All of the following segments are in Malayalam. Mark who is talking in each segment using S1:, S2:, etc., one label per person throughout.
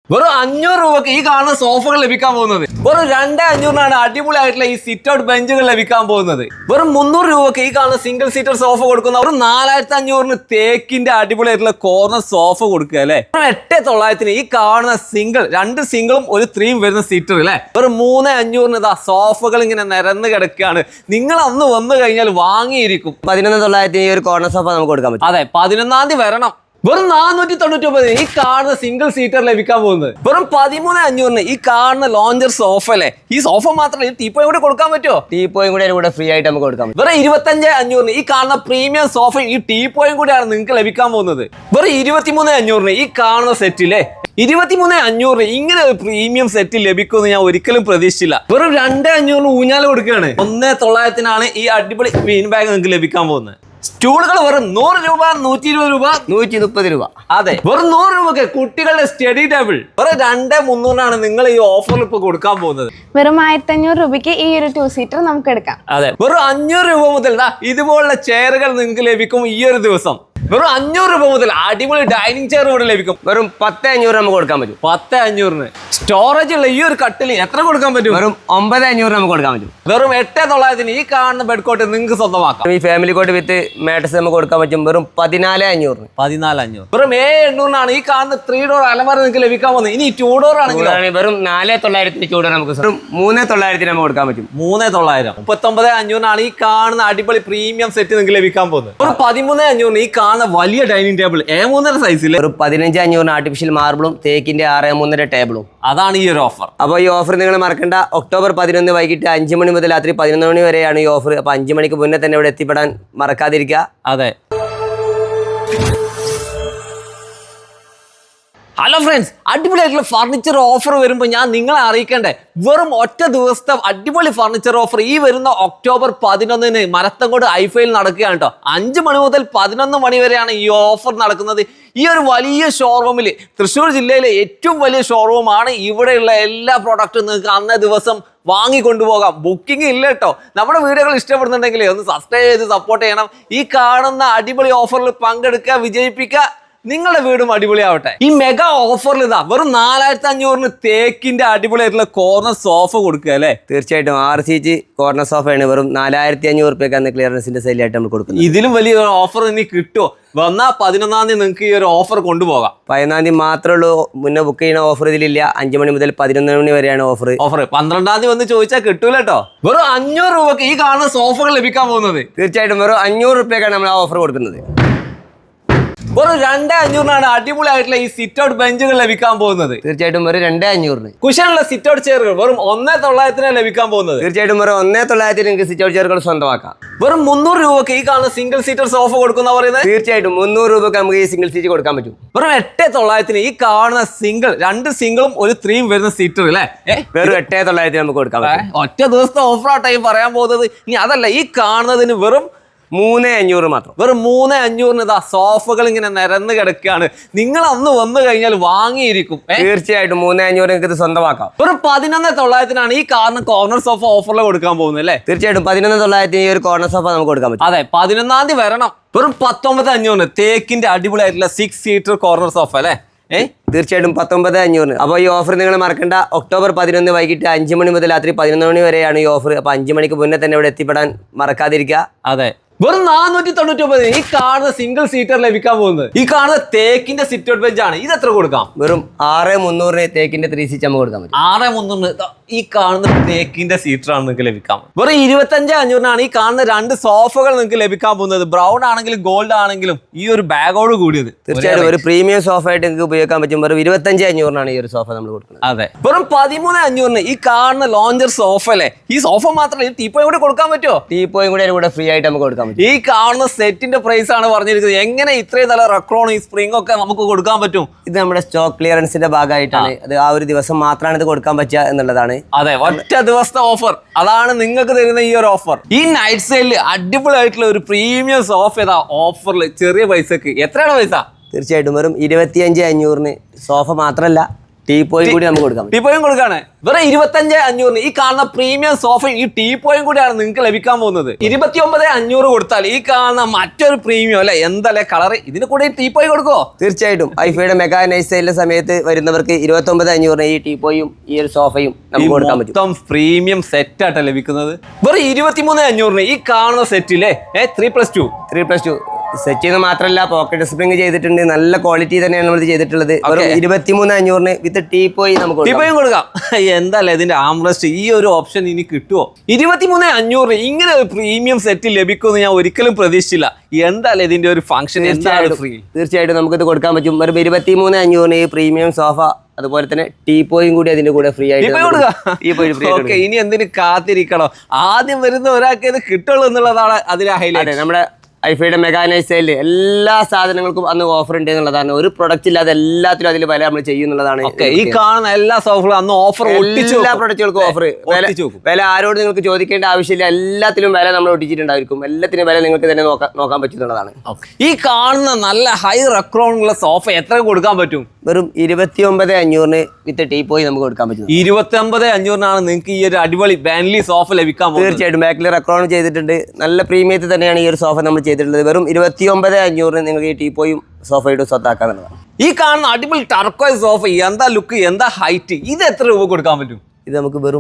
S1: വെറും 500 രൂപക്ക് ഈ കാണുന്ന സോഫകൾ ലഭിക്കാൻ പോകുന്നത്. വെറും 2500 അടിപൊളിയായിട്ടുള്ള ഈ സിറ്റ് ഔട്ട് ബെഞ്ചുകൾ ലഭിക്കാൻ പോകുന്നത്. വെറും 300 രൂപക്ക് ഈ കാണുന്ന സിംഗിൾ സീറ്റർ സോഫ കൊടുക്കുന്ന ഒരു 4500 തേക്കിന്റെ അടിപൊളിയായിട്ടുള്ള കോർണർ സോഫ കൊടുക്കുക അല്ലെ. 8900 ഈ കാണുന്ന രണ്ട് സിംഗിളും ഒരു 3 വരുന്ന സീറ്റർ അല്ലെ. വെറും 3500 ഇതാ സോഫകൾ ഇങ്ങനെ നിരന്ന് കിടക്കുകയാണ്. നിങ്ങൾ അന്ന് വന്നു കഴിഞ്ഞാൽ വാങ്ങിയിരിക്കും.
S2: 11,900 ഈ ഒരു കോർണർ സോഫ നമുക്ക് കൊടുക്കാൻ പറ്റും.
S1: അതെ, 11-ാം തീയതി വരണം. വെറും 499 ഈ കാണുന്ന സിംഗിൾ സീറ്റർ ലഭിക്കാൻ പോകുന്നത്. വെറും 13,500 ഈ കാണുന്ന ലോഞ്ചർ സോഫ അല്ലേ. ഈ സോഫ മാത്രമല്ല, ഈ ടീപ്പോയും കൂടെ കൊടുക്കാൻ പറ്റുമോ?
S2: ടീപ്പോയും കൂടെ ഫ്രീ ആയിട്ട് നമുക്ക് കൊടുക്കാം.
S1: വെറും 25,500 ഈ കാണുന്ന പ്രീമിയം സോഫയും ഈ ടീപ്പോയും കൂടെയാണ് നിങ്ങൾക്ക് ലഭിക്കാൻ പോകുന്നത്. വെറും 23,500 ഈ കാണുന്ന സെറ്റിലെ 23,500 ഇങ്ങനെ ഒരു പ്രീമിയം സെറ്റ് ലഭിക്കുമെന്ന് ഞാൻ ഒരിക്കലും പ്രതീക്ഷിച്ചില്ല. വെറും 2,500 ഊഞ്ഞാൽ കൊടുക്കുകയാണ്. 1,900 ഈ അടിപൊളി മീൻ ബാഗ് നിങ്ങൾക്ക് ലഭിക്കാൻ പോകുന്നത്. സ്റ്റൂളുകൾ വെറും 100 രൂപ, 120 രൂപ,
S2: 130 രൂപ.
S1: അതെ, വെറും 100 രൂപക്ക് കുട്ടികളുടെ സ്റ്റഡി ടേബിൾ വെറും 2,300 നിങ്ങൾ ഈ ഓഫറിൽ ഇപ്പൊ കൊടുക്കാൻ പോകുന്നത്.
S3: വെറും 1,500 രൂപയ്ക്ക് ഈ ഒരു 2 സീറ്റർ നമുക്ക് എടുക്കാം.
S1: അതെ, വെറും 500 രൂപ മുതൽ ഇതുപോലുള്ള ചെയറുകൾ നിങ്ങൾക്ക് ലഭിക്കും ഈ ഒരു ദിവസം. വെറും 500 രൂപ മുതൽ അടിപൊളി ഡൈനിങ് ചെയർ ഇവിടെ ലഭിക്കും.
S2: വെറും 10,500 നമുക്ക് കൊടുക്കാൻ പറ്റും.
S1: 10,500 സ്റ്റോറേജ് ഉള്ള ഈ ഒരു കട്ടിൽ എത്ര കൊടുക്കാൻ പറ്റും?
S2: വെറും 9,500 നമുക്ക് കൊടുക്കാൻ പറ്റും.
S1: വെറും 8,900 ഈ കാണുന്ന ബെഡ് കോട്ട് നിങ്ങൾക്ക് സ്വന്തമാക്കാം.
S2: ഈ ഫാമിലി കോട്ട് വിത്ത് മാട്രസ് നമുക്ക് കൊടുക്കാൻ പറ്റും. വെറും 14,500.
S1: 14,500. വെറും 7,800 ഈ കാണുന്ന 3 ഡോർ അലമാര നിങ്ങൾക്ക് ലഭിക്കാൻ പോകുന്നത്. ഇനി 2 ഡോർ ആണെങ്കിൽ
S2: വെറും 4,900 ചൂടാണ് നമുക്ക്. വെറും 3,900 നമുക്ക് കൊടുക്കാൻ പറ്റും.
S1: 3,900. 39,500 ഈ കാണുന്ന അടിപൊളി പ്രീമിയം സെറ്റ് നിങ്ങൾക്ക് ലഭിക്കാൻ പോകുന്നത്. ഒരു 13,500 ഈ കാണുന്ന വലിയ ഡൈനിങ് ടേബിൾ A3 സൈസിൽ.
S2: ഒരു 15,500 ആർട്ടിഫിഷ്യൽ മാർബിളും തേക്കിന്റെ 6.3 ടേബിളും.
S1: അതാണ് ഈ ഒരു ഓഫർ.
S2: അപ്പോൾ ഈ ഓഫർ നിങ്ങൾ മറക്കണ്ട. ഒക്ടോബർ 11 വൈകിട്ട് 5 മണി മുതൽ രാത്രി 11 മണി വരെയാണ് ഈ ഓഫർ. അപ്പോൾ 5 മണിക്ക് മുന്നേ തന്നെ ഇവിടെ എത്തിപ്പെടാൻ മറക്കാതിരിക്കുക.
S1: അതെ. ഹലോ ഫ്രണ്ട്സ്, അടിപൊളിയായിട്ടുള്ള ഫർണിച്ചർ ഓഫർ വരുമ്പോൾ ഞാൻ നിങ്ങളെ അറിയിക്കണ്ടേ. വെറും ഒറ്റ ദിവസത്തെ അടിപൊളി ഫർണിച്ചർ ഓഫർ ഈ വരുന്ന ഒക്ടോബർ 11 മരത്തങ്കോട് ഐഫയിൽ നടക്കുകയാണ് കേട്ടോ. 5 മണി മുതൽ 11 മണി വരെയാണ് ഈ ഓഫർ നടക്കുന്നത്. ഈ ഒരു വലിയ ഷോറൂമിൽ, തൃശ്ശൂർ ജില്ലയിലെ ഏറ്റവും വലിയ ഷോറൂമാണ്. ഇവിടെയുള്ള എല്ലാ പ്രോഡക്റ്റും നിങ്ങൾക്ക് അന്നേ ദിവസം വാങ്ങിക്കൊണ്ടുപോകാം. ബുക്കിംഗ് ഇല്ല കേട്ടോ. നമ്മുടെ വീഡിയോകൾ ഇഷ്ടപ്പെടുന്നുണ്ടെങ്കിൽ ഒന്ന് സബ്സ്ക്രൈബ് ചെയ്ത് സപ്പോർട്ട് ചെയ്യണം. ഈ കാണുന്ന അടിപൊളി ഓഫറിൽ പങ്കെടുക്കുക, വിജയിപ്പിക്കുക. നിങ്ങളുടെ വീടും അടിപൊളിയാവട്ടെ. ഈ മെഗാ ഓഫറിൽ വെറും 4,500 തേക്കിന്റെ അടിപൊളിയായിട്ടുള്ള കോർണർ സോഫ കൊടുക്കുക അല്ലേ.
S2: തീർച്ചയായിട്ടും 6 സീറ്റ് കോർണർ സോഫയാണ് വെറും 4,500 രൂപയ്ക്കാണ് ക്ലിയറൻസിന്റെ സെയിലായിട്ട് നമ്മൾ കൊടുക്കുന്നത്.
S1: ഇതിലും വലിയ ഓഫർ ഇനി കിട്ടുമോ? വന്നാൽ 11-ാം തീയതി നിങ്ങൾക്ക് ഈ ഒരു ഓഫർ കൊണ്ടുപോകാം.
S2: 11-ാം തീയതി മാത്രമേ ഉള്ളൂ മുന്നേ ബുക്ക് ചെയ്യുന്ന ഓഫർ ഇതിലില്ല. 5 മണി മുതൽ 11 മണി വരെയാണ് ഓഫർ.
S1: 12-ാം തീയതി വന്ന് ചോദിച്ചാൽ കിട്ടൂല കേട്ടോ. വെറും 500 രൂപക്ക് ഈ കാണുന്ന സോഫകൾ ലഭിക്കാൻ പോകുന്നത്.
S2: തീർച്ചയായിട്ടും വെറും 500 രൂപയ്ക്കാണ് നമ്മൾ ആ ഓഫർ കൊടുക്കുന്നത്.
S1: വെറും 2,500 അടിപൊളിയായിട്ടുള്ള ഈ സിറ്റ് ഔട്ട് ബെഞ്ചുകൾ ലഭിക്കാൻ പോകുന്നത്.
S2: തീർച്ചയായിട്ടും വെറും 2,500.
S1: കുഷനുള്ള സിറ്റ് ഔട്ട് ചെയറുകൾ വെറും 1,900 ലഭിക്കാൻ പോകുന്നത്.
S2: തീർച്ചയായിട്ടും വെറും 1,900 നിങ്ങൾക്ക് സിറ്റ് ഔട്ട് ചെയറുകൾ സ്വന്തമാക്കാം.
S1: വെറും 300 രൂപക്ക് ഈ കാണുന്ന സിംഗിൾ സീറ്റർ സോഫ കൊടുക്കുന്ന പറയുന്നത്.
S2: തീർച്ചയായിട്ടും 300 രൂപക്ക് നമുക്ക് ഈ സിംഗിൾ സീറ്റ് കൊടുക്കാൻ പറ്റും.
S1: വെറും 8,900 ഈ കാണുന്ന രണ്ട് സിംഗിളും ഒരു 3 വരുന്ന സീറ്റർ അല്ലേ.
S2: വെറും 8,900 നമുക്ക് കൊടുക്കാൻ പറ്റും.
S1: ഒറ്റ ദിവസത്തെ ഓഫറാട്ടോ ഈ പറയാൻ പോകുന്നത്. ഇനി അതല്ല, ഈ കാണുന്നതിന് വെറും
S2: 3,500 മാത്രം.
S1: വെറും 3,500 ഇതാ സോഫകൾ ഇങ്ങനെ നിരന്ന് കിടക്കുകയാണ്. നിങ്ങൾ അന്ന് വന്നു കഴിഞ്ഞാൽ വാങ്ങിയിരിക്കും.
S2: തീർച്ചയായിട്ടും 3,500 നിങ്ങൾക്ക് ഇത് സ്വന്തമാക്കാം.
S1: വെറും 11,900 ഈ കോർണർ സോഫ ഓഫറിൽ കൊടുക്കാൻ പോകുന്നത് അല്ലേ.
S2: തീർച്ചയായിട്ടും 11,900 ഈ ഒരു കോർണർ സോഫ നമുക്ക് കൊടുക്കാൻ പറ്റും.
S1: അതെ, 11-ാം തീയതി വരണം. വെറും 19,500 തേക്കിന്റെ അടിപൊളിയായിട്ടുള്ള 6 സീറ്റർ കോർണർ സോഫ അല്ലേ.
S2: തീർച്ചയായിട്ടും 19,500. അപ്പോൾ ഈ ഓഫർ നിങ്ങൾ മറക്കണ്ട. ഒക്ടോബർ 11 വൈകിട്ട് 5 മണി മുതൽ രാത്രി 11 മണി വരെയാണ് ഈ ഓഫർ. അപ്പോൾ 5 മണിക്ക് മുന്നേ തന്നെ ഇവിടെ എത്തിപ്പെടാൻ മറക്കാതിരിക്കുക.
S1: അതെ, വെറും 499 ഈ കാണുന്ന സിംഗിൾ സീറ്റർ ലഭിക്കാൻ പോകുന്നത്. ഈ കാണുന്ന തേക്കിന്റെ സിറ്റ് ഔട്ട് ബെഞ്ച് ആണ്. ഇത് എത്ര കൊടുക്കാം?
S2: വെറും 6,300 തേക്കിന്റെ 3 സീറ്റ് നമുക്ക് കൊടുക്കാൻ പറ്റും.
S1: 6,300 ഈ കാണുന്ന തേക്കിന്റെ സീറ്റർ ആണ് നിങ്ങൾക്ക് ലഭിക്കാൻ. വെറും 25,500 ഈ കാണുന്ന 2 സോഫകൾ നിങ്ങൾക്ക് ലഭിക്കാൻ പോകുന്നത്. ബ്രൗൺ ആണെങ്കിലും ഗോൾഡ് ആണെങ്കിലും ഈ ഒരു ബാഗോട് കൂടിയത്.
S2: തീർച്ചയായിട്ടും ഒരു പ്രീമിയം സോഫ ആയിട്ട് നിങ്ങൾക്ക് ഉപയോഗിക്കാൻ പറ്റും. വെറും 25,500 ഈ ഒരു സോഫ നമ്മൾ കൊടുക്കുന്നത്.
S1: അതെ, വെറും 13,500 ഈ കാണുന്ന ലോഞ്ചർ സോഫ അല്ലേ. ഈ സോഫ മാത്രമല്ല, ഈ ടീപ്പോയും കൂടെ കൊടുക്കാൻ പറ്റുമോ?
S2: ടീപ്പോയും കൂടെ ഫ്രീ ആയിട്ട് നമുക്ക് കൊടുക്കാൻ പറ്റും.
S1: ഈ കാണുന്ന സെറ്റിന്റെ പ്രൈസ് ആണ് പറഞ്ഞിരിക്കുന്നത്. എങ്ങനെ ഇത്രയും നല്ല റെക്രോൺ ഈ സ്പ്രിംഗ് ഒക്കെ നമുക്ക് കൊടുക്കാൻ പറ്റും?
S2: ഇത് നമ്മുടെ സ്റ്റോക്ക് ക്ലിയറൻസിന്റെ ഭാഗമായിട്ടാണ്. അത് ആ ഒരു ദിവസം മാത്രമാണ് ഇത് കൊടുക്കാൻ പറ്റുക എന്നുള്ളതാണ്.
S1: അതെ, ഒറ്റ ദിവസത്തെ ഓഫർ. അതാണ് നിങ്ങൾക്ക് തരുന്ന ഈ ഒരു ഓഫർ. ഈ നൈറ്റ് സെയിലിൽ അടിപൊളിയായിട്ടുള്ള ഒരു പ്രീമിയം സോഫ ഏതാ ഓഫറിൽ ചെറിയ പൈസക്ക്. എത്രയാണ് പൈസ?
S2: തീർച്ചയായിട്ടും വെറും 25,500 സോഫ മാത്രമല്ല ടീപ്പോയും കൂടി നമുക്ക് കൊടുക്കാം.
S1: ടീപ്പോയും കൊടുക്കാണ് വെറും 25,500 ഈ കാണുന്ന പ്രീമിയം സോഫയും ഈ ടീപ്പോയും കൂടിയാണ് നിങ്ങൾക്ക് ലഭിക്കാൻ പോകുന്നത്. 29,500 കൊടുത്താൽ ഈ കാണുന്ന മറ്റൊരു പ്രീമിയം അല്ലെ എന്തല്ലേ കളർ ഇതിന് കൂടെ ഈ ടീപ്പോയി കൊടുക്കോ?
S2: തീർച്ചയായിട്ടും ഐഫയുടെ മെഗാ നൈറ്റ് സെയിലിന്റെ സമയത്ത് വരുന്നവർക്ക് 29,500 ഈ ടീപ്പോയും ഈ ഒരു സോഫയും നമുക്ക് കൊടുക്കാൻ പറ്റും.
S1: മൊത്തം പ്രീമിയം സെറ്റ് ആയിട്ട് ലഭിക്കുന്നത് വെറും 23,500 ഈ കാണുന്ന സെറ്റിലെ 3+2
S2: സെറ്റ് ചെയ്യുന്നത് മാത്രമല്ല പോക്കറ്റ് സ്പ്രിംഗ് ചെയ്തിട്ടുണ്ട്. നല്ല ക്വാളിറ്റി തന്നെയാണ് നമ്മൾ ചെയ്തിട്ടുള്ളത്. വെറും 23,500 വിത്ത് ടീപ്പോയി നമുക്ക്
S1: ടീപ്പോയും കൊടുക്കാം. എന്താല്ലേ ഇതിന്റെ ആംറസ്റ്റ് ഈ ഒരു ഓപ്ഷൻ ഇനി കിട്ടുമോ? 23,500 ഇങ്ങനെ ഒരു പ്രീമിയം സെറ്റ് ലഭിക്കുമെന്ന് ഞാൻ ഒരിക്കലും പ്രതീക്ഷിച്ചില്ല. എന്താല്ലേ ഇതിന്റെ ഒരു ഫംഗ്ഷൻ?
S2: തീർച്ചയായിട്ടും നമുക്കിത് കൊടുക്കാൻ പറ്റും. വെറും 23,500 ഈ പ്രീമിയം സോഫ അതുപോലെ തന്നെ ടീപ്പോയും കൂടി അതിന്റെ കൂടെ ഫ്രീ ആയിട്ട്.
S1: ഇനി എന്തിനു കാത്തിരിക്കണോ? ആദ്യം വരുന്ന ഒരാൾക്ക് ഇത് കിട്ടുള്ളൂ എന്നുള്ളതാണ് അതിലെ ഹൈലൈറ്റ്.
S2: നമ്മുടെ ഐഫയുടെ മെഗാ നൈറ്റ് സെയിലിൽ എല്ലാ സാധനങ്ങൾക്കും അന്ന് ഓഫർ ഉണ്ട് എന്നുള്ളതാണ്. ഒരു പ്രൊഡക്റ്റ് ഇല്ലാതെ എല്ലാത്തിലും അതിൽ വില നമ്മൾ ചെയ്യുന്നുള്ളതാണ്.
S1: ഈ കാണുന്ന എല്ലാ സോഫകളും അന്ന് ഓഫർ
S2: എല്ലാ പ്രൊഡക്റ്റുകൾക്കും ഓഫർ. വില ആരോട് നിങ്ങൾക്ക് ചോദിക്കേണ്ട ആവശ്യമില്ല. എല്ലാത്തിലും വില നമ്മൾ ഒട്ടിച്ചിട്ടുണ്ടായിരിക്കും. എല്ലാത്തിനും വില നിങ്ങൾക്ക് തന്നെ നോക്കാൻ പറ്റുന്നതാണ്.
S1: ഈ കാണുന്ന നല്ല ഹൈ റെക്രോണുള്ള സോഫ എത്ര കൊടുക്കാൻ പറ്റും?
S2: വെറും 29,500 വിത്ത് ടീപ്പോയി നമുക്ക് കൊടുക്കാൻ പറ്റും.
S1: 29,500 നിങ്ങൾക്ക് ഈ ഒരു അടിപൊളി ബാൻലി സോഫ ലഭിക്കാൻ പോകും.
S2: തീർച്ചയായിട്ടും ബാക്കിൽ റെക്രോൺ ചെയ്തിട്ടുണ്ട്. നല്ല പ്രീമിയത്തിൽ തന്നെയാണ് ഈ ഒരു സോഫ നമ്മൾ ചെയ്തിട്ടുള്ളത്. വെറും 29,500 നിങ്ങൾക്ക് ഈ ടീപ്പോയും സോഫയുടെ സ്വത്താക്കാന്നുള്ളതാണ്.
S1: ഈ കാണുന്ന അടിപൊളി ടർക്കോയ് സോഫ എന്താ ലുക്ക്, എന്താ ഹൈറ്റ്, ഇത് എത്ര രൂപ കൊടുക്കാൻ പറ്റും?
S2: ഇത് നമുക്ക് വെറും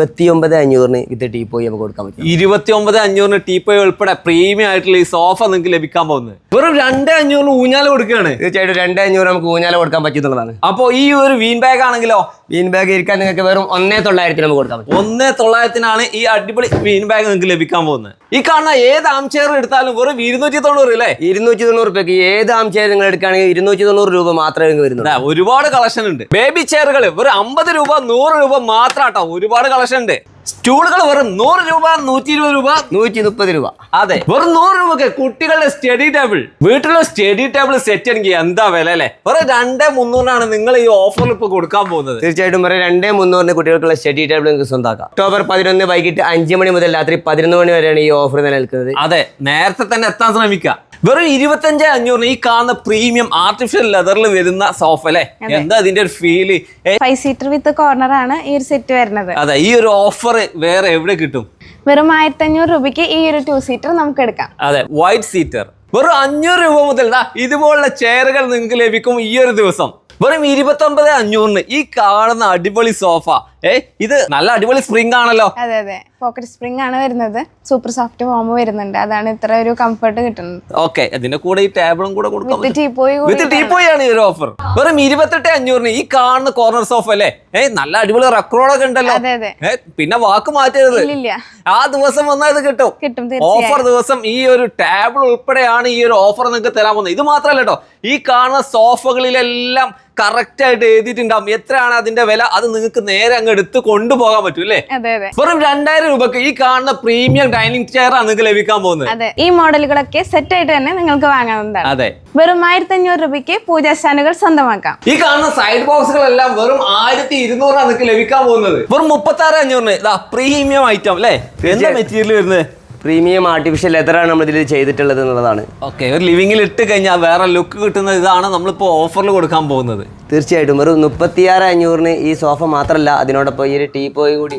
S2: 29,500 വിത്ത് ടീപ്പോയി നമുക്ക് കൊടുക്കാൻ പറ്റും.
S1: 29,500 ടീപ്പോയി ഉൾപ്പെടെ പ്രീമിയം ആയിട്ടുള്ള ഈ സോഫ നിങ്ങൾക്ക് ലഭിക്കാൻ പോകുന്നത് വെറും 2,500 ഊഞ്ഞാല് കൊടുക്കുകയാണ്.
S2: തീർച്ചയായിട്ടും 2,500 നമുക്ക് ഊഞ്ഞാല കൊടുക്കാൻ പറ്റുന്നതാണ്.
S1: അപ്പോൾ ഈ ഒരു വീൻ ബാഗ് ആണെങ്കിലോ?
S2: വീൻ ബാഗ് ഇരിക്കാൻ നിങ്ങൾക്ക് വെറും 1,900 നമുക്ക് കൊടുക്കാൻ പറ്റും.
S1: 1,900 ഈ അടിപൊളി വീൻ ബാഗ് നിങ്ങൾക്ക് ലഭിക്കാൻ പോകുന്നത്. ഈ കാണുന്ന ഏത് ആം ചെയർ എടുത്താലും വെറും 290 അല്ലേ?
S2: 290 രൂപയ്ക്ക് ഏത് ആം ചെയർ നിങ്ങൾ എടുക്കുകയാണെങ്കിൽ 290 രൂപ മാത്രമേ നിങ്ങൾക്ക് വരുന്നുള്ളൂ.
S1: ഒരുപാട് കളക്ഷൻ ഉണ്ട്. ബേബി ചെയറുകൾ വെറും 50 രൂപ 100 രൂപ മാത്രാട്ടോ. ഒരുപാട് കളക്ഷൻ ഉണ്ട്. സ്റ്റൂളുകൾ വെറും 100 രൂപ 120 രൂപ
S2: 130 രൂപ.
S1: അതെ, വെറും 100 രൂപക്ക് കുട്ടികളുടെ സ്റ്റഡി ടേബിൾ, വീട്ടിലെ സ്റ്റഡി ടേബിൾ സെറ്റ് ആണെങ്കിൽ എന്താ വില അല്ലേ? വെറും 2,300 നിങ്ങൾ ഈ ഓഫറിൽ ഇപ്പൊ കൊടുക്കാൻ പോകുന്നത്.
S2: തീർച്ചയായിട്ടും വെറും 2,300 കുട്ടികൾക്കുള്ള സ്റ്റഡി ടേബിൾ നിങ്ങൾക്ക് സ്വന്തമാക്കാം. ഒക്ടോബർ 11 വൈകിട്ട് 5 മണി മുതൽ രാത്രി 11 മണി വരെയാണ് ഈ ഓഫർ നിലനിൽക്കുന്നത്.
S1: അതെ, നേരത്തെ തന്നെ എത്താൻ ശ്രമിക്കുക. വെറും 25,500 ഈ കാണുന്ന പ്രീമിയം ആർട്ടിഫിഷ്യൽ ലെതറിൽ വരുന്ന സോഫ അല്ലേ? എന്താ ഇതിന്റെ ഒരു ഫീല്?
S3: 5 സീറ്റർ വിത്ത് കോർണർ ആണ് ഈ ഒരു സെറ്റ് വരുന്നത്.
S1: അതെ, ഈ ഒരു ഓഫർ വേറെ എവിടെ കിട്ടും?
S3: വെറും 1,500 രൂപയ്ക്ക് ഈ ഒരു 2 സീറ്റർ നമുക്ക് എടുക്കാം.
S1: അതെ, വൈറ്റ് സീറ്റർ വെറും 500 രൂപ മുതൽ ഇതുപോലുള്ള ചെയറുകൾ നിങ്ങൾക്ക് ലഭിക്കും ഈ ഒരു ദിവസം. വെറും 29,500 ഈ കാണുന്ന അടിപൊളി സോഫ. ഇത് നല്ല അടിപൊളി സ്പ്രിംഗ് ആണല്ലോ.
S3: അതെ അതെ, പോക്കറ്റ് സ്പ്രിംഗ് ആണ് വരുന്നത്. സൂപ്പർ സോഫ്റ്റ് ഫോം വരുന്നുണ്ട്. അതാണ് ഇത്ര ഒരു കംഫർട്ട് കിട്ടുന്നത്.
S1: ഓക്കെ, അതിന്റെ കൂടെ ഈ ടേബിളും കൂടെ കൊടുക്കാം.
S3: വിത്ത്
S1: ടീപ്പോയി ആണ് ഈ ഒരു ഓഫർ. വെറും 28,500 ഈ കാണുന്ന കോർണർ സോഫ അല്ലേ? നല്ല അടിപൊളി റെക്രോളൊക്കെ ഉണ്ടല്ലോ. പിന്നെ വാക്ക് മാറ്റരുത്. ആ ദിവസം വന്നാൽ ഇത് കിട്ടും. ഓഫർ ദിവസം ഈ ഒരു ടേബിൾ ഉൾപ്പെടെയാണ് ഈ ഒരു ഓഫർ നിങ്ങൾക്ക് തരാൻ പോകുന്നത്. ഇത് മാത്രമല്ല കേട്ടോ, ഈ കാണുന്ന സോഫകളിലെല്ലാം കറക്റ്റ് ആയിട്ട് എഴുതിയിട്ടുണ്ടാവും എത്രയാണ് അതിന്റെ വില. അത് നിങ്ങൾക്ക് നേരെ അങ്ങ് എടുത്ത് കൊണ്ടുപോകാൻ പറ്റും അല്ലേ? വെറും 2,000 രൂപക്ക് ഈ കാണുന്ന പ്രീമിയം ഡൈനിങ് ചെയർ ആണ് നിങ്ങൾക്ക് ലഭിക്കാൻ പോകുന്നത്.
S3: ഈ മോഡലുകളൊക്കെ സെറ്റ് ആയിട്ട് തന്നെ നിങ്ങൾക്ക് വാങ്ങാവുന്നതാണ്.
S1: അതെ,
S3: വെറും 1,500 രൂപയ്ക്ക് പൂജാ സ്റ്റാൻഡുകൾ സ്വന്തമാക്കാം.
S1: ഈ കാണുന്ന സൈഡ് ബോക്സുകളെല്ലാം വെറും 1,200 നിങ്ങൾക്ക് ലഭിക്കാൻ പോകുന്നത്. വെറും 36,500 പ്രീമിയം ഐറ്റം അല്ലേ? എന്താ മെറ്റീരിയൽ വരുന്നത്?
S2: പ്രീമിയം ആർട്ടിഫിഷ്യൽ ലെതറാണ് നമ്മൾ ഇതിൽ ചെയ്തിട്ടുള്ളത് എന്നുള്ളതാണ്.
S1: ഓക്കെ, ഒരു ലിവിങ്ങിൽ ഇട്ട് കഴിഞ്ഞാൽ വേറെ ലുക്ക് കിട്ടുന്ന ഇതാണ് നമ്മളിപ്പോൾ ഓഫറിൽ കൊടുക്കാൻ പോകുന്നത്.
S2: തീർച്ചയായിട്ടും വെറും 36,500 ഈ സോഫ മാത്രമല്ല, അതിനോടൊപ്പം ഈ ഒരു ടീപ്പോയി കൂടി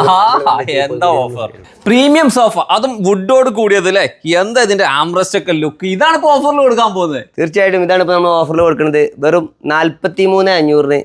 S1: എന്താ ഓഫർ! പ്രീമിയം സോഫ, അതും വുഡോട് കൂടിയത് അല്ലേ? എന്താ ഇതിന്റെ ആംറസ്റ്റ് ഒക്കെ ലുക്ക്! ഇതാണ് ഇപ്പൊ ഓഫറിൽ കൊടുക്കാൻ പോകുന്നത്.
S2: തീർച്ചയായിട്ടും ഇതാണ് ഇപ്പൊ നമ്മൾ ഓഫറിൽ കൊടുക്കുന്നത്. വെറും 43,500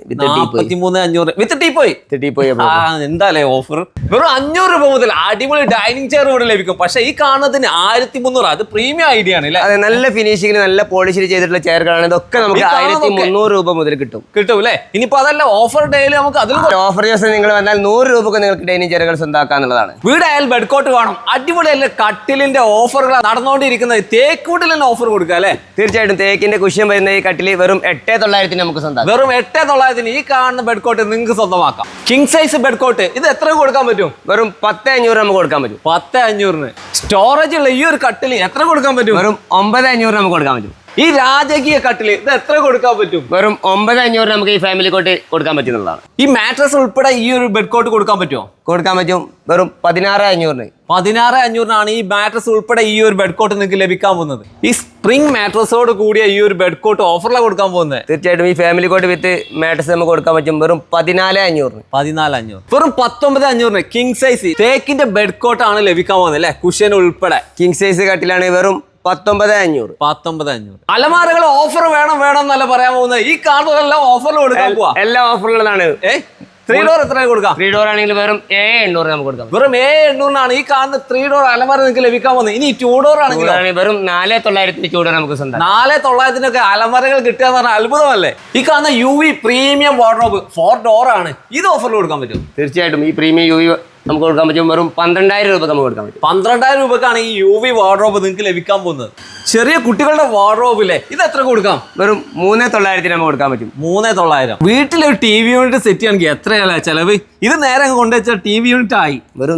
S1: വിത്ത് ടീപ്പോയി. എന്താ ഓഫർ! വെറും 500 രൂപ മുതൽ അടിപൊളി ഡൈനിങ് ചെയർ ഇവിടെ ലഭിക്കും. പക്ഷെ ഈ കാണുന്നതിന് 1,300. അത് പ്രീമിയം ഐഡിയ ആണ്.
S2: അതെ, നല്ല ഫിനിഷിംഗ് നല്ല പോളിഷിൽ ചെയ്തിട്ടുള്ള ചെയറുകളാണ്. ഇതൊക്കെ നമുക്ക് 1,300 രൂപ മുതൽ കിട്ടും
S1: അല്ലേ? ഇനിയിപ്പോ അതല്ല, ഓഫർ ഡേയില് നമുക്ക് അതിൽ
S2: ഓഫർ ദിവസം നിങ്ങൾ വന്നാൽ 100 രൂപക്ക് നിങ്ങൾക്ക് ഡൈനിങ് ചെയറുകൾ സ്വന്തമാക്കാന്നുള്ളതാണ്.
S1: വീടായാലും ബെഡ് കോട്ട് വേണം, അടിപൊളിയല്ലേ കട്ടിലിന്റെ ഓഫറുകൾ നടന്നുകൊണ്ടിരിക്കുന്നത്. തേക്കൂട്ടിൽ തന്നെ ഓഫർ കൊടുക്കുക അല്ലേ?
S2: തീർച്ചയായിട്ടും തേക്കിന്റെ കുഷ്യൻ വരുന്ന ഈ കട്ടില് വെറും 8,900 നമുക്ക് സ്വന്തം.
S1: വെറും 8,900 ഈ കാണുന്ന ബെഡ് കോട്ട് നിങ്ങൾക്ക് സ്വന്തമാക്കാം. കിങ് സൈസ് ബെഡ് കോട്ട് ഇത് എത്ര കൊടുക്കാൻ പറ്റും?
S2: വെറും 10,500 നമുക്ക് കൊടുക്കാൻ പറ്റും.
S1: 10,500 സ്റ്റോറേജ് ഉള്ള ഈ ഒരു കട്ടിൽ എത്ര കൊടുക്കാൻ പറ്റും?
S2: വെറും 9,500 നമുക്ക് കൊടുക്കാൻ പറ്റും.
S1: ഈ രാജകീയ കട്ടില് ഇത് എത്ര കൊടുക്കാൻ പറ്റും?
S2: വെറും 9,500 നമുക്ക് ഈ ഫാമിലി കോട്ട് കൊടുക്കാൻ പറ്റുന്നതാണ്.
S1: ഈ മാട്രസ് ഉൾപ്പെടെ ഈ ഒരു ബെഡ് കോട്ട് കൊടുക്കാൻ പറ്റുമോ?
S2: കൊടുക്കാൻ പറ്റും. വെറും 16,500.
S1: 16,500 ഈ മാട്രസ് ഉൾപ്പെടെ ഈ ഒരു ബെഡ് കോട്ട് നിങ്ങൾക്ക് ലഭിക്കാൻ പോകുന്നത്. ഈ സ്പ്രിംഗ് മാട്രസോട് കൂടിയ ഈ ഒരു ബെഡ് കോട്ട് ഓഫറിലാണ് കൊടുക്കാൻ പോകുന്നത്.
S2: തീർച്ചയായിട്ടും ഈ ഫാമിലി കോട്ട് വിത്ത് മാട്രസ് നമുക്ക് കൊടുക്കാൻ പറ്റും. വെറും 14,500.
S1: 14,500. വെറും 19,500 കിങ് സൈസ് തേക്കിന്റെ ബെഡ് കോട്ടാണ് ലഭിക്കാൻ പോകുന്നത് അല്ലെ, കുഷ്യൻ ഉൾപ്പെടെ.
S2: കിങ് സൈസ് കട്ടിലാണ്. വെറും 19,500.
S1: 19,500. അലമാരകൾ ഓഫർ വേണം എന്നല്ല പറയാൻ പോകുന്നത്. ഈ കാണുന്നതെല്ലാം ഓഫറിൽ കൊടുക്കാൻ പോവാ.
S2: എല്ലാം ഓഫറുള്ളതാണ്.
S1: 3 ഡോർ എത്ര കൊടുക്കാം?
S2: 3 ഡോർ ആണെങ്കിൽ വെറും 7,800 നമുക്ക് കൊടുക്കാം.
S1: വെറും 7,800 ഈ കാണുന്ന 3 ഡോർ അലമാര നിങ്ങൾക്ക് ലഭിക്കാൻ പോകുന്നത്. ഇനി 2 ഡോർ ആണെങ്കിൽ
S2: വെറും 4,900 ചൂട് നമുക്ക് സ്വന്തം.
S1: 4,900 അലമാരകൾ കിട്ടുക എന്ന് പറഞ്ഞാൽ അത്ഭുതമല്ലേ. ഈ കാണുന്ന UV പ്രീമിയം വാർഡ്രോബ് 4 ഡോർ ആണ്. ഇത് ഓഫറിൽ കൊടുക്കാൻ പറ്റും.
S2: തീർച്ചയായിട്ടും ഈ പ്രീമിയം UV നമുക്ക് കൊടുക്കാൻ പറ്റും. വെറും 12,000 രൂപ നമുക്ക് കൊടുക്കാൻ പറ്റും.
S1: 12,000 രൂപക്കാണ് ഈ UV വാർഡ്രോബ് നിങ്ങൾക്ക് ലഭിക്കാൻ പോകുന്നത്. ചെറിയ കുട്ടികളുടെ വാർഡ്രോബില്ലേ, ഇത് എത്ര കൊടുക്കാം?
S2: വെറും 3,900 നമുക്ക് കൊടുക്കാൻ പറ്റും.
S1: 3,900. വീട്ടിലൊരു TV യൂണിറ്റ് സെറ്റ് ചെയ്യണമെങ്കിൽ എത്രയല്ലേ ചെലവ്? ഇത് നേരെ കൊണ്ടുവച്ചാൽ TV യൂണിറ്റ് ആയി.
S2: വെറും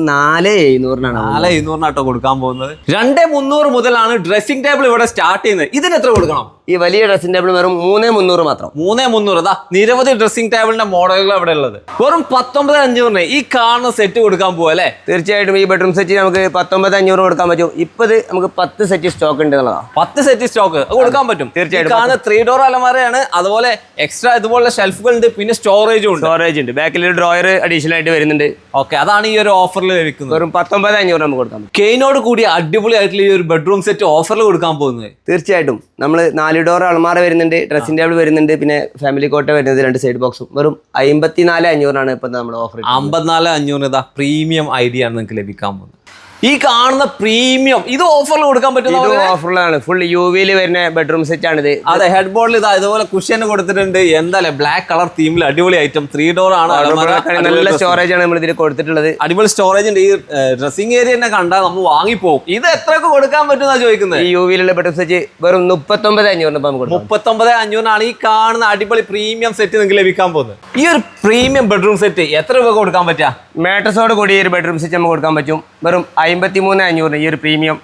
S2: 4,700
S1: 4,700 കൊടുക്കാൻ പോകുന്നത്. 2,300 മുതലാണ് ഡ്രസ്സിംഗ് ടേബിൾ ഇവിടെ സ്റ്റാർട്ട് ചെയ്യുന്നത്. ഇതിന് എത്ര കൊടുക്കണം?
S2: ഈ വലിയ ഡ്രസ്സിംഗ് ടേബിൾ വെറും 3,300 മാത്രം.
S1: 3,300. അതാ നിരവധി ഡ്രസ്സിംഗ് ടേബിളിന്റെ മോഡലുകൾ അവിടെ ഉള്ളത്. വെറും 19,500 ഈ കാണുന്ന സെറ്റ് കൊടുക്കാൻ പോവാ അല്ലേ?
S2: തീർച്ചയായിട്ടും ഈ ബെഡ്റൂം സെറ്റ് നമുക്ക് 19,500 കൊടുക്കാൻ പറ്റും. ഇപ്പൊ ഇത് നമുക്ക് 10 സെറ്റ് സ്റ്റോക്ക് ഉണ്ട് എന്നുള്ളതാണ്.
S1: 10 സെറ്റ് സ്റ്റോക്ക് കൊടുക്കാൻ പറ്റും.
S2: തീർച്ചയായിട്ടും.
S1: കാണുന്ന 3 ഡോർ അലമാരയാണ്. അതുപോലെ എക്സ്ട്രാ ഇതുപോലുള്ള ഷെൽഫുകൾ ഉണ്ട്, പിന്നെ സ്റ്റോറേജും ഉണ്ട്.
S2: ബാക്കിൽ ഒരു ഡ്രോയർ അഡീഷണൽ ആയിട്ട് വരുന്നുണ്ട്.
S1: ഓക്കെ, അതാണ് ഈ ഒരു ഓഫറിൽ ലഭിക്കുന്നത്.
S2: വെറും 19,500 നമുക്ക് കൊടുക്കാൻ പറ്റും.
S1: കെയിനോട് കൂടി അടിപൊളിയായിട്ടുള്ള ഈ ഒരു ബെഡ്റൂം സെറ്റ് ഓഫറിൽ കൊടുക്കാൻ പോകുന്നത്.
S2: തീർച്ചയായിട്ടും നമ്മൾ 4 ഡോർ അൾമാര വരുന്നുണ്ട്, ഡ്രസ്സിംഗ് ടേബിൾ വരുന്നുണ്ട്, പിന്നെ ഫാമിലി കോട്ട വരുന്നത് 2 സൈഡ് ബോക്സും. വെറും 54,500 ഇപ്പൊ നമ്മൾ ഓഫർ.
S1: 54,500 ഇതാ പ്രീമിയം ഐഡിയ ആണ് നിങ്ങൾക്ക് ലഭിക്കാൻ പോകുന്നത്. ഈ കാണുന്ന പ്രീമിയം ഇത് ഓഫറിൽ കൊടുക്കാൻ പറ്റുന്ന
S2: ഓഫറിലാണ്. ഫുൾ UV-ൽ വരുന്ന ബെഡ്റൂം സെറ്റ് ആണിത്.
S1: അതെ, ഹെഡ് ബോർഡിൽ ഇതാ ഇതുപോലെ കുഷ്യൻ കൊടുത്തിട്ടുണ്ട്. എന്തായാലും ബ്ലാക്ക് കളർ തീമിൽ അടിപൊളി ഐറ്റം. 3 ഡോർ ആണ്.
S2: നല്ല സ്റ്റോറേജ് ആണ് നമ്മൾ ഇതിൽ കൊടുത്തിട്ടുള്ളത്.
S1: അടിപൊളി സ്റ്റോറേജ് ഉണ്ട്. ഈ ഡ്രസ്സിംഗ് ഏരിയ തന്നെ കണ്ടാൽ നമ്മൾ വാങ്ങിപ്പോകും. ഇത് എത്രയൊക്കെ കൊടുക്കാൻ പറ്റുന്ന ചോദിക്കുന്നത്?
S2: ഈ UV-ലുള്ള ബെഡ്റൂം സെറ്റ് വെറും 39,500 നമുക്ക്
S1: 39,500 ഈ കാണുന്ന അടിപൊളി പ്രീമിയം സെറ്റ് നിങ്ങൾക്ക് ലഭിക്കാൻ പോകുന്നത്. ഈ ഒരു പ്രീമിയം ബെഡ്റൂം സെറ്റ് എത്ര രൂപ കൊടുക്കാൻ പറ്റുക?
S2: മാട്രസോട് കൂടി ഈ ഒരു ബെഡ്റൂം സെറ്റ് നമുക്ക് കൊടുക്കാൻ പറ്റും. വെറും 53,500 ഈ ഒരു പ്രീമിയം.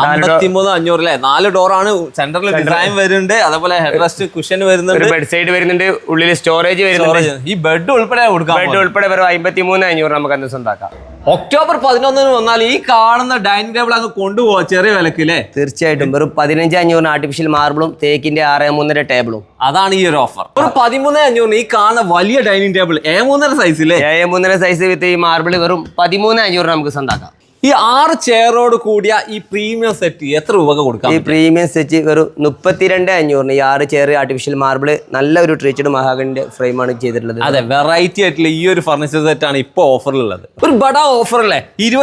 S1: 53,500 അല്ലേ? 4 ഡോർ ആണ്. സെന്ററിൽ ഡിസൈൻ വരുന്നുണ്ട്. അതേപോലെ ഹെഡ് റെസ്റ്റ് കുഷൻ വരുന്നുണ്ട്.
S2: ബെഡ് സൈഡ് വരുന്നുണ്ട്. ഉള്ളിൽ സ്റ്റോറേജ് വരുന്നുണ്ട്.
S1: ഈ ബെഡ് ഉൾപ്പെടെ കൊടുക്കാം.
S2: ബെഡ് ഉൾപ്പെടെ വെറും 53,500 നമുക്ക് അന്ന് സ്വന്തമാക്കാം.
S1: ഒക്ടോബർ 11 വന്നാൽ ഈ കാണുന്ന ഡൈനിങ് ടേബിൾ അങ്ങ് കൊണ്ടുപോവാ ചെറിയ വിലക്കില്ലേ?
S2: തീർച്ചയായിട്ടും. വെറും 15,500 ആർട്ടിഫിഷ്യൽ മാർബിളും തേക്കിന്റെ 6.3 ടേബിളും.
S1: അതാണ് ഈ ഒരു ഓഫർ. ഒരു 13,500 ഈ കാണുന്ന വലിയ ഡൈനിങ് ടേബിൾ A3 സൈസില്ലേ?
S2: A3 സൈസ് വിത്ത് ഈ മാർബിൾ വെറും 13,500 നമുക്ക് സ്വന്തമാക്കാം.
S1: ഈ 6 ചെയറോട് കൂടിയ ഈ പ്രീമിയം സെറ്റ് എത്ര രൂപ കൊടുക്കാം?
S2: ഈ പ്രീമിയം സെറ്റ് വെറും 32,500. ഈ 6 ചെയർ ആർട്ടിഫിഷ്യൽ മാർബിൾ നല്ല ഒരു ട്രീച്ചഡ് മഹാഗണിന്റെ ഫ്രെയിമാണ് ചെയ്തിട്ടുള്ളത്.
S1: അതെ, വെറൈറ്റി ആയിട്ടുള്ള ഈ ഒരു ഫർണിച്ചർ സെറ്റ് ആണ് ഇപ്പൊ ഓഫറിലുള്ളത്. ഒരു ബഡാ ഓഫർ അല്ലേ?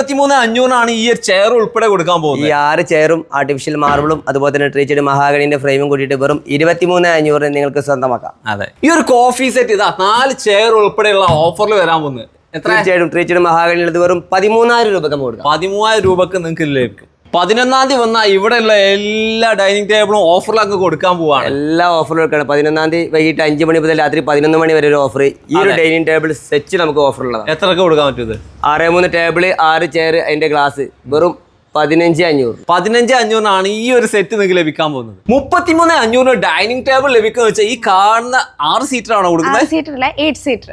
S1: 23,500 ഈ ഒരു ചെയർ ഉൾപ്പെടെ കൊടുക്കാൻ പോകുന്നത്.
S2: ഈ 6 ചെയറും ആർട്ടിഫിഷ്യൽ മാർബിളും അതുപോലെ തന്നെ ട്രീച്ചഡ് മഹാഗണിന്റെ ഫ്രെയിമും കൂട്ടിയിട്ട് വെറും 23,500 നിങ്ങൾക്ക് സ്വന്തമാക്കാം.
S1: അതെ, ഈ ഒരു കോഫി സെറ്റ് ഇതാ 4 ചെയർ ഉൾപ്പെടെയുള്ള ഓഫറിൽ വരാൻ പോകുന്നത്.
S2: തീർച്ചയായിട്ടും ട്രീച്ചഡ് മഹാഗണിയുള്ളത് വെറും 13,000 രൂപക്ക് നമുക്ക് കൊടുക്കാം.
S1: 13,000 രൂപക്ക് നിങ്ങൾക്ക് ലഭിക്കും. 11-ാം തീയതി വന്നാൽ ഇവിടെയുള്ള എല്ലാ ഡൈനിങ് ടേബിളും ഓഫറിലൊക്കെ കൊടുക്കാൻ പോവാണ്.
S2: എല്ലാ ഓഫറും കൊടുക്കുകയാണ്. 11-ാം തീയതി വൈകിട്ട് 5 മണി മുതൽ രാത്രി 11 മണി വരെ ഒരു ഓഫർ. ഈ ഒരു ഡൈനിങ് ടേബിൾ സെറ്റ് നമുക്ക് ഓഫർ ഉള്ളതാണ്.
S1: എത്രയൊക്കെ കൊടുക്കാൻ പറ്റും?
S2: 6.3 ടേബിൾ, 6 ചെയർ, അതിന്റെ ഗ്ലാസ് വെറും 15,500.
S1: 15,500 ഈ ഒരു സെറ്റ് നിങ്ങൾക്ക് ലഭിക്കാൻ പോകുന്നത്. 33,500 ഡൈനിങ് ടേബിൾ ലഭിക്കുന്ന വെച്ചാൽ ഈ കാണുന്ന 6 സീറ്റർ ആണോ കൊടുക്കുന്നത്?
S3: 8 സീറ്റർ.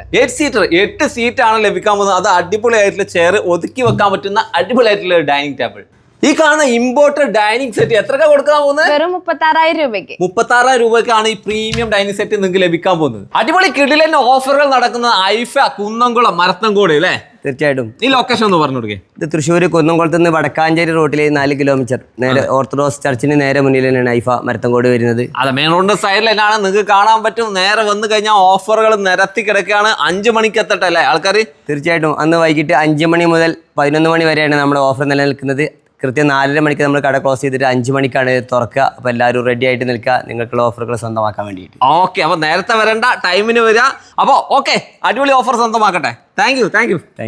S1: 8 സീറ്റ് ആണ് ലഭിക്കാൻ പോകുന്നത്. അത് അടിപൊളിയായിട്ടുള്ള ചെയർ ഒതുക്കി വെക്കാൻ പറ്റുന്ന അടിപൊളിയായിട്ടുള്ള ഡൈനിങ് ടേബിൾ. ഈ കാണുന്ന ഇമ്പോർട്ടഡ് ഡൈനിങ് സെറ്റ് എത്രക്കാ കൊടുക്കാൻ പോകുന്നത്?
S3: വെറും 36,000 രൂപയ്ക്ക്.
S1: 36,000 രൂപയ്ക്കാണ് ഈ പ്രീമിയം ഡൈനിങ് സെറ്റ് നിങ്ങൾക്ക് ലഭിക്കാൻ പോകുന്നത്. അടിപൊളി കിടിലൻ ഓഫറുകൾ നടക്കുന്ന ഐഫ കുന്നംകുളം മരത്തൻകോട് അല്ലേ?
S2: തീർച്ചയായിട്ടും.
S1: ഈ ലൊക്കേഷൻ ഒന്ന് പറഞ്ഞു കൊടുക്കേ.
S2: ഇത് തൃശ്ശൂർ കുന്നംകുളത്ത് നിന്ന് വടക്കാഞ്ചേരി റോഡിലെ 4 കിലോമീറ്റർ നേരെ ഓർത്തഡോക്സ് ചർച്ചിന് നേരെ മുന്നിൽ തന്നെയാണ് ഐഫ മരത്തൻകോട് വരുന്നത്.
S1: അതെ, മെയിൻ റോഡിന്റെ സൈഡിൽ തന്നെയാണ്. നിങ്ങൾക്ക് കാണാൻ പറ്റും. നേരെ വന്നു കഴിഞ്ഞാൽ ഓഫറുകൾ നിരത്തി കിടക്കുകയാണ്. 5 മണിക്ക് എത്തട്ടല്ലേ ആൾക്കാർ?
S2: തീർച്ചയായിട്ടും. അന്ന് വൈകിട്ട് 5 മണി മുതൽ 11 മണി വരെയാണ് നമ്മുടെ ഓഫർ നിലനിൽക്കുന്നത്. കൃത്യം 4:30 മണിക്ക് നമ്മൾ കട ക്ലോസ് ചെയ്തിട്ട് 5 മണിക്കാണ് തുറക്കുക. അപ്പോൾ എല്ലാവരും റെഡി ആയിട്ട് നിൽക്കുക നിങ്ങൾക്കുള്ള ഓഫറുകൾ സ്വന്തമാക്കാൻ വേണ്ടിയിട്ട്.
S1: ഓക്കെ, അപ്പോൾ നേരത്തെ വരണ്ട, ടൈമിന് വരിക. അപ്പോൾ ഓക്കെ, അടിപൊളി ഓഫർ സ്വന്തമാക്കട്ടെ. Thank you.